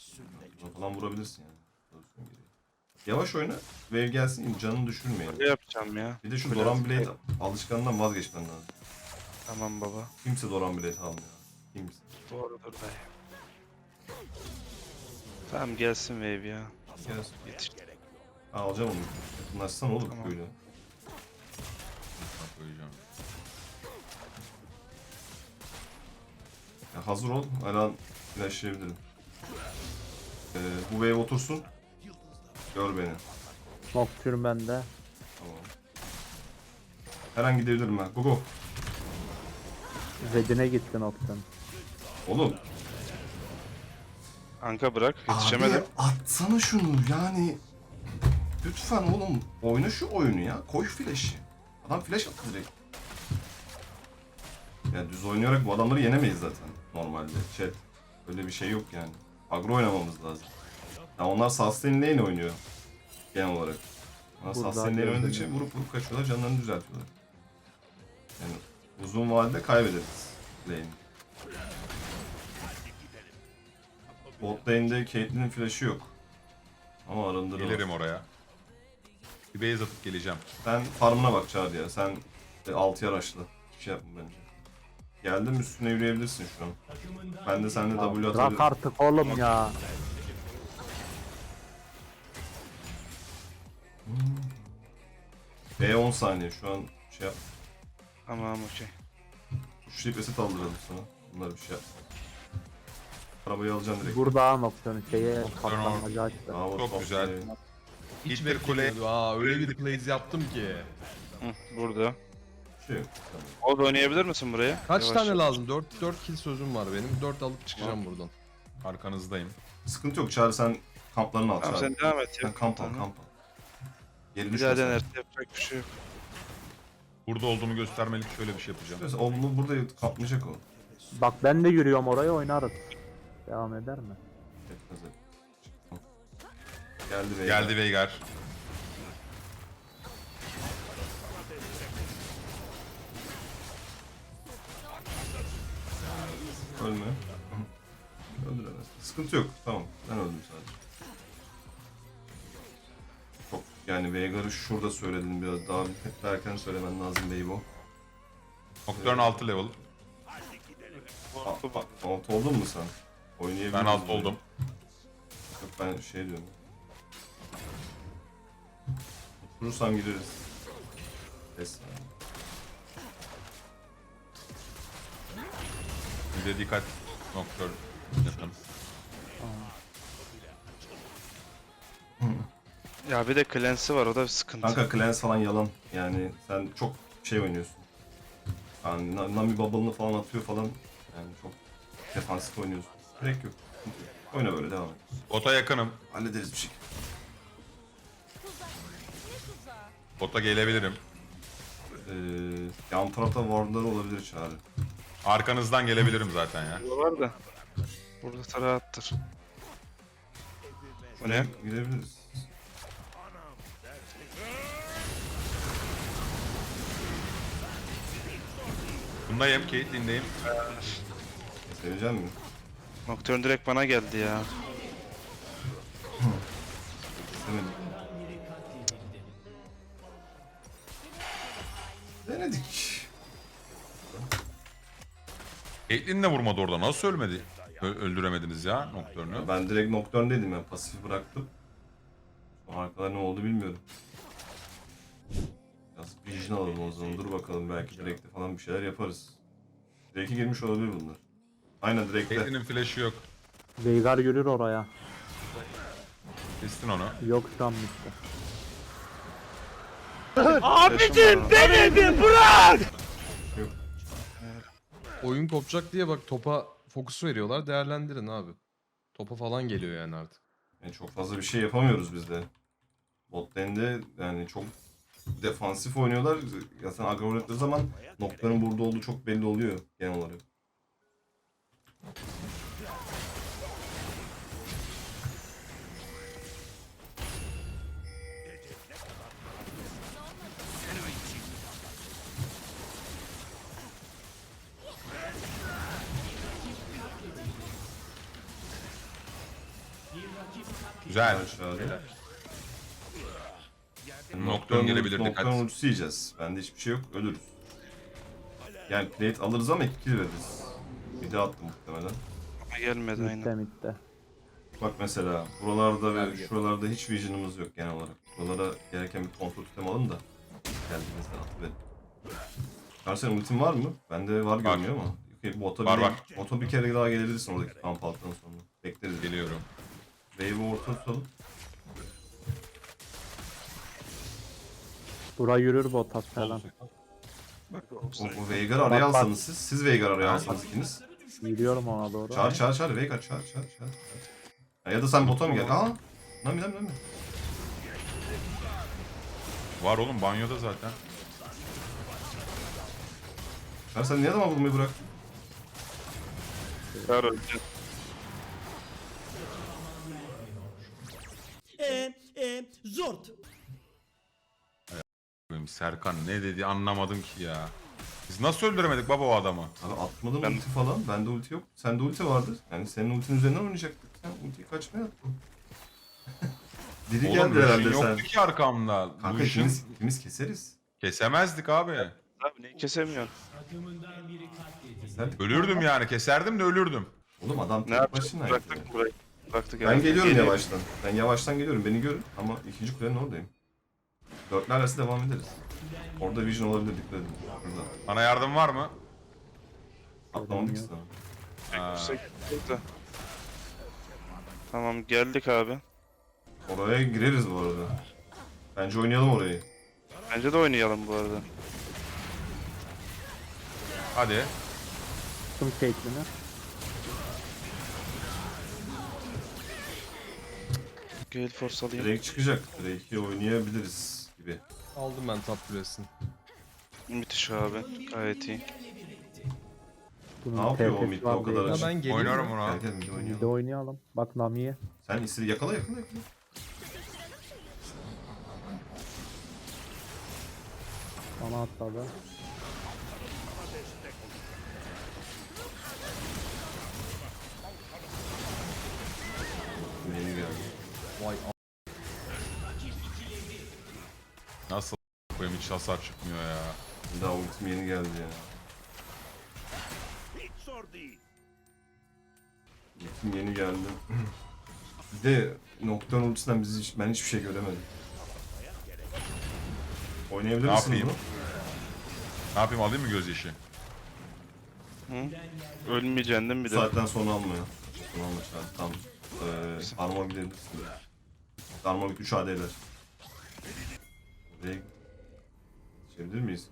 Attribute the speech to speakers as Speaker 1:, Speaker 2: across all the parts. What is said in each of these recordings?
Speaker 1: Falan vurabilirsin yani. Yavaş oyna. Wave gelsin, canını düşürmeyin.
Speaker 2: Ne yapacağım ya?
Speaker 1: Bir de şu
Speaker 2: Biraz-
Speaker 1: Doran Blade alışkanlığından vazgeçmen lazım.
Speaker 2: Tamam baba.
Speaker 1: Kimse Doran Blade almıyor. Kimse.
Speaker 2: Doğrudur dayı. Tamam gelsin wave ya.
Speaker 1: Gelsin.
Speaker 2: Yetiş.
Speaker 1: Alacağım onu. Yakınlaşsana oğlum
Speaker 2: Tamam.
Speaker 1: böyle.
Speaker 3: Koyacağım.
Speaker 1: Ya hazır ol. Alan flashlayabilirim. Bu wave otursun. Gör beni.
Speaker 4: Nocturne bende.
Speaker 1: Tamam. Her an gidebilirim ben. Go go.
Speaker 4: Redine gitti Nocturne.
Speaker 1: Oğlum.
Speaker 2: Kanka bırak. Yetişemedim.
Speaker 1: Abi atsana şunu yani. Lütfen oğlum. Oyna şu oyunu ya. Koy flash'i. Adam flash attı direkt. Ya düz oynayarak bu adamları yenemeyiz zaten normalde. Chat. Öyle bir şey yok yani. Agro oynamamız lazım. Ya onlar sustain lane oynuyor. Genel olarak. Ama
Speaker 4: Burada
Speaker 1: sustain lane oynadıkça
Speaker 4: gördüm.
Speaker 1: vurup kaçıyorlar, canlarını düzeltiyorlar. Yani uzun vadede kaybederiz lane'i. Bot lane'de Caitlyn'in flash'ı yok. Ama arındırır.
Speaker 3: Gelirim oraya. Bir base atıp geleceğim.
Speaker 1: Sen farmına bak Çağrı ya. Sen 6'ya rush'la. Hiçbir şey yapma bence. Geldim, üstüne yürüyebilirsin şu an. Ben de seninle W
Speaker 4: Bırak
Speaker 1: atabilirim.
Speaker 4: artık oğlum ya.
Speaker 1: B10 saniye şu an şey yap.
Speaker 2: Tamam okey.
Speaker 1: Tuşlayıp reset aldıralım sana. Bunlar bir şey yap. Arabayı alacaksın direkt.
Speaker 4: Burada Nocturne şeye
Speaker 3: Nocturne
Speaker 4: patlamacı açtı.
Speaker 1: Bravo,
Speaker 3: Çok güzel.
Speaker 1: iyi.
Speaker 3: Hiçbir kule.
Speaker 5: Aa öyle bir plays yaptım ki.
Speaker 2: Hı, burada.
Speaker 1: Bir şey yok. Tamam.
Speaker 2: O da oynayabilir misin buraya?
Speaker 5: Kaç
Speaker 2: Yavaş.
Speaker 5: tane lazım? 4 kill sözüm var benim. 4 alıp çıkacağım buradan.
Speaker 3: Arkanızdayım.
Speaker 1: Sıkıntı yok Çağrı, sen kamplarını al
Speaker 2: Tamam
Speaker 1: Çağrı.
Speaker 2: sen devam et ya.
Speaker 1: Sen kamp al,
Speaker 2: Tamam.
Speaker 1: kamp al. Geri
Speaker 2: Bir
Speaker 1: düşme
Speaker 2: daha
Speaker 1: sen.
Speaker 2: denerse yapacak bir şey yok.
Speaker 3: Burada olduğumu göstermelik şöyle bir şey yapacağım.
Speaker 1: Mesela oğlum burada kapmayacak o.
Speaker 4: Bak ben de yürüyorum oraya oynarız. Devam eder mi?
Speaker 1: Etmez et. Geldi ve
Speaker 3: Geldi Veigar.
Speaker 1: Ölme. Öldüremez. Sıkıntı yok. Tamam. Ben öldüm sadece. Çok yani Veigar'ı şurada söyledim biraz daha erken söylemen lazım Beybo.
Speaker 3: Nocturne 6 level.
Speaker 1: Alt oldun mu sen? Oynayabilir
Speaker 3: Ben
Speaker 1: miyiz
Speaker 3: alt
Speaker 1: böyle?
Speaker 3: oldum.
Speaker 1: Yok ben şey diyorum. Vurursam gireriz. Pes.
Speaker 3: Bir de dikkat. Nocturne yakın.
Speaker 2: Ya bir de cleanse'i var o da bir sıkıntı.
Speaker 1: Kanka Clans falan yalan. Yani sen çok şey oynuyorsun. Yani Nami Bubble'ını falan atıyor falan. Yani çok defansif oynuyorsun. Gerek yok. Oyna böyle devam et.
Speaker 3: Bota yakınım.
Speaker 1: Hallederiz bir şey.
Speaker 3: Bota gelebilirim.
Speaker 1: Yan tarafta wardları olabilir Çağrı.
Speaker 3: Arkanızdan gelebilirim zaten ya.
Speaker 2: Burada var da. Burada tarağı attır. Bu ne?
Speaker 1: Gidebiliriz.
Speaker 3: Bundayım, Caitlyn'deyim.
Speaker 1: Sevecek mi?
Speaker 2: Nocturne direkt bana geldi ya.
Speaker 1: İstemedim. Denedik.
Speaker 3: Caitlyn de vurmadı orada. Nasıl ölmedi? Öldüremediniz ya Nocturne'ü.
Speaker 1: Ben direkt Nocturne'deydim ya. Pasifi bıraktım. Sonra arkada ne oldu bilmiyorum. Biraz vision alalım o zaman. Dur bakalım, belki Drake'de falan bir şeyler yaparız. Drake'e girmiş olabilir bunlar. Aynen Drake'de.
Speaker 3: Caitlyn'in flash'ı yok.
Speaker 4: Veigar yürür oraya.
Speaker 3: Kestin onu.
Speaker 4: Yok şu an bitti.
Speaker 2: Abicim
Speaker 5: Oyun kopacak diye bak topa fokus veriyorlar. Değerlendirin abi. Topa falan geliyor yani artık.
Speaker 1: Yani çok fazla bir şey yapamıyoruz biz de. Bot lane'de yani çok defansif oynuyorlar. Ya sen aggro oynadığı zaman noktaların burada olduğu çok belli oluyor genel olarak.
Speaker 3: Güzel.
Speaker 1: Aşağıda.
Speaker 3: Nocturne gelebilir, dikkat.
Speaker 1: Nocturne ultisi yiyeceğiz. Bende hiçbir şey yok. Ölürüz. Yani plate alırız ama 2 kill veririz. Bir de attım muhtemelen.
Speaker 2: Ama gelmedi
Speaker 4: Mitte
Speaker 2: aynen.
Speaker 4: mitte.
Speaker 1: Bak mesela buralarda ve şuralarda hiç vision'ımız yok genel olarak. Buralara gereken bir kontrol tutem alın da geldiğinizde atıverin. Karşıya ultin var mı? Bende var görünüyor ama. Okay, bota,
Speaker 3: Var,
Speaker 1: bir,
Speaker 3: var.
Speaker 1: bota bir kere daha gelebilirsin oradaki kamp alttan sonra. Bekleriz.
Speaker 3: Geliyorum.
Speaker 1: Wave'i orta tutalım.
Speaker 4: Bura yürür botas falan.
Speaker 1: O Veigar araya
Speaker 4: Bak, bak.
Speaker 1: alsanız siz Veigar araya alsanız ikiniz.
Speaker 4: Yürüyorum ona doğru.
Speaker 1: Çağır Veigar çağır. Ya da sen bota mı gel? Nami.
Speaker 3: Var oğlum banyoda zaten.
Speaker 1: Çağır sen niye adama vurmayı bıraktın?
Speaker 2: Ver öldü.
Speaker 6: Zort.
Speaker 3: Benim Serkan ne dedi anlamadım ki ya. Biz nasıl öldüremedik baba o adamı?
Speaker 1: Abi atmadım
Speaker 2: Ben-
Speaker 1: ulti falan. Bende ulti yok. Sende ulti vardır. Yani senin ultinin üzerinden oynayacaktık. Sen ultiyi kaçmaya attın. Diri
Speaker 3: Oğlum
Speaker 1: geldi herhalde
Speaker 3: Lucian
Speaker 1: sen.
Speaker 3: yoktu ki arkamda.
Speaker 1: Kanka
Speaker 3: Lucian
Speaker 1: ikimiz keseriz.
Speaker 3: kesemezdik abi.
Speaker 2: Abi neyi kesemiyorsun?
Speaker 1: Keserdik.
Speaker 3: Ölürdüm yani keserdim de ölürdüm.
Speaker 1: Oğlum adam
Speaker 2: Ne
Speaker 1: tek
Speaker 2: yapacak?
Speaker 1: başına.
Speaker 2: Bıraktık burayı. Bıraktık
Speaker 1: Ben
Speaker 2: herhalde.
Speaker 1: geliyorum
Speaker 2: Geliyor.
Speaker 1: yavaştan. Ben yavaştan geliyorum. Beni görün. Ama ikinci kulenin oradayım. Dörtler arası devam ederiz. Orada vision olabilir dikkat edin. Burada.
Speaker 3: Bana yardım var mı?
Speaker 1: Atlamadık ki sana.
Speaker 3: Ha,
Speaker 2: Yüksek burada. Tamam geldik abi.
Speaker 1: Oraya gireriz bu arada. Bence oynayalım orayı.
Speaker 2: Bence de oynayalım bu arada.
Speaker 3: hadi.
Speaker 4: Tuttum Caitlyn'i.
Speaker 2: Gale Force alayım.
Speaker 1: Drake çıkacak. Drake'i oynayabiliriz gibi.
Speaker 5: Aldım ben top kulesini.
Speaker 2: Müthiş abi. Gayet iyi.
Speaker 4: Bunun
Speaker 1: Ne yapıyor o
Speaker 4: TP'si
Speaker 1: mid
Speaker 4: var
Speaker 1: o kadar
Speaker 4: değil.
Speaker 1: açık?
Speaker 5: Ya ben geleyim
Speaker 3: Oynarım
Speaker 5: mi?
Speaker 3: ona.
Speaker 1: Gel mid
Speaker 4: Bir de
Speaker 1: oynayalım.
Speaker 4: oynayalım. Bak Nami'ye.
Speaker 1: Sen istedi yakala.
Speaker 4: Bana atladı.
Speaker 1: Yeni geldi.
Speaker 5: Vay
Speaker 3: Nasıl koyayım hiç hasar çıkmıyor ya.
Speaker 1: Daha ultim yeni geldi ya. Ultim yeni geldi. Bir de Nocturne ultisinden ben hiçbir şey göremedim. Oynayabilir
Speaker 3: Ne
Speaker 1: misiniz
Speaker 3: yapayım?
Speaker 1: bunu?
Speaker 3: Ne yapayım alayım mı gözyaşı?
Speaker 2: Ölmeyeceksin değil mi bir
Speaker 1: Bu
Speaker 2: de?
Speaker 1: saatten sonra alma ya. Sonra alma çağır. Tamam. Armor gidebilirsin. Armor 3 AD eder. Buraya geçebilir miyiz?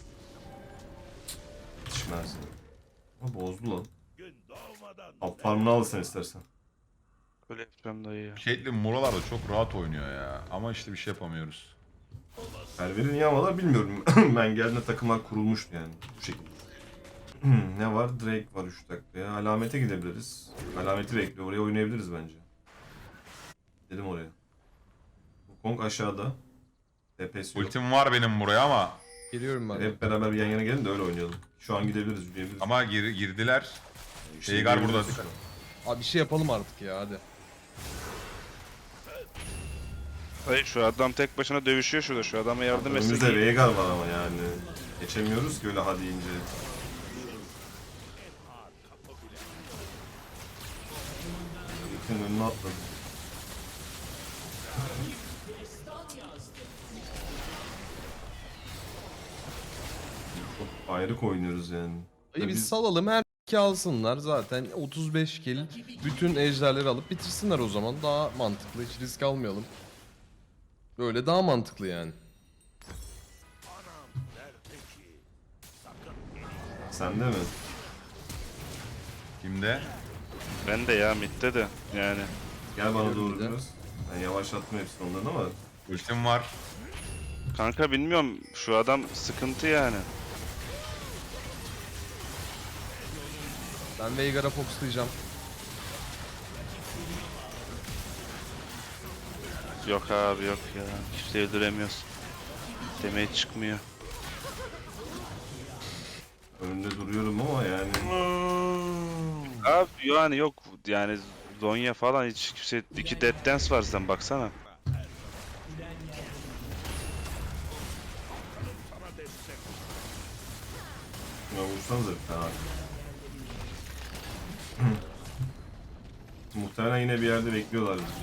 Speaker 1: Yetişmez. Ama bozdu lan. Top farmını al sen istersen.
Speaker 2: Öyle yapacağım dayı ya.
Speaker 3: Caitlyn buralarda çok rahat oynuyor ya. Ama işte bir şey yapamıyoruz.
Speaker 1: Perver'i niye almalar bilmiyorum. Ben geldiğimde takımlar kurulmuştu yani. Bu şekilde. Ne var? Drake var 3 dakikaya. Alamete gidebiliriz. Alameti bekliyor. Oraya oynayabiliriz bence. Dedim oraya. Bu Kong aşağıda. TP'si yok.
Speaker 3: Ultim var benim buraya ama
Speaker 5: geliyorum ben.
Speaker 1: Hep beraber bir yan yana gelin de öyle oynayalım. Şu an gidebiliriz, yürüyebiliriz.
Speaker 3: ama girdiler.
Speaker 1: İşte
Speaker 3: Veigar burada.
Speaker 1: yürüyebiliriz.
Speaker 5: Abi bir şey yapalım artık ya hadi.
Speaker 2: Dayı şu adam tek başına dövüşüyor şurada. Şu adama yardım
Speaker 1: Önümüzde
Speaker 2: etsin.
Speaker 1: Veigar var ama yani. Geçemiyoruz ki öyle hadi ince. Yıkın önüne atladı. Çok ayrık oynuyoruz yani.
Speaker 5: Dayı biz
Speaker 1: Biz-
Speaker 5: salalım her iki alsınlar zaten 35 kill bütün ejderleri alıp bitirsinler o zaman daha mantıklı hiç risk almayalım. Böyle daha mantıklı yani.
Speaker 1: Sende mi?
Speaker 3: Kimde?
Speaker 2: Ben de ya midde de yani.
Speaker 1: Gel bana doğru
Speaker 5: bir de.
Speaker 1: biraz. Ben yavaşlattım hepsini onların ama
Speaker 3: Ultim var.
Speaker 2: Kanka bilmiyorum şu adam sıkıntı yani.
Speaker 5: Ben Veigar'a fokuslayacağım.
Speaker 2: Yok abi yok ya. Hiç de öldüremiyorsun. Demeye çıkmıyor.
Speaker 1: önünde duruyorum ama yani
Speaker 2: Abi yani yok yani Zonya falan hiç kimse... 2 Dead Dance var sen baksana.
Speaker 1: Ya vursanıza bir tane. Muhtemelen yine bir yerde bekliyorlar bizi.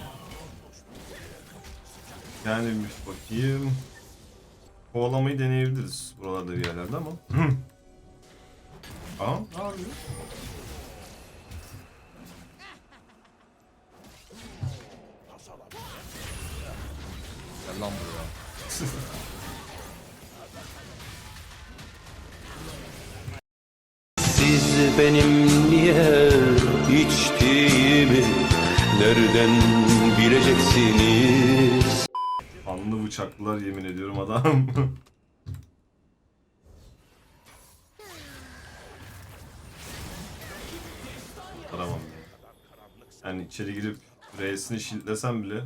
Speaker 1: Yani bir bakayım. Kovalamayı deneyebiliriz buralarda bir yerlerde ama. Aha, ne yapıyor?
Speaker 5: Gel lan buraya.
Speaker 7: Siz benim niye içtiğimi nereden bileceksiniz?
Speaker 1: Anlı bıçaklılar yemin ediyorum adam. Tamam ya. Yani içeri girip R'sini shieldlesem bile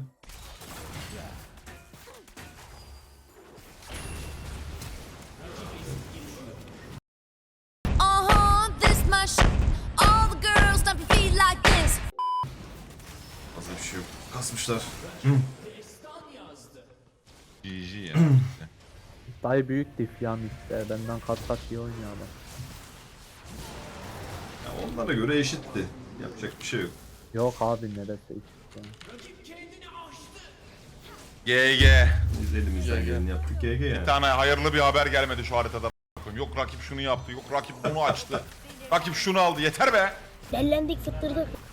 Speaker 8: This my shit. All the girls dump your feet like this.
Speaker 1: fazla bir şey yok. Kasmışlar.
Speaker 3: GG ya.
Speaker 4: Dayı büyük diff ya midde. Benden kat kat iyi oynuyor adam.
Speaker 1: Ya onlara göre eşitti. Yapacak bir şey yok.
Speaker 4: Yok abi neresi hiç. Yani.
Speaker 3: GG.
Speaker 1: Biz elimizden geleni yaptık. GG yani.
Speaker 3: Bir tane hayırlı bir haber gelmedi şu haritada. Yok rakip şunu yaptı, yok rakip bunu açtı. Rakip şunu aldı, yeter be.
Speaker 9: Dellendik fıttırdık.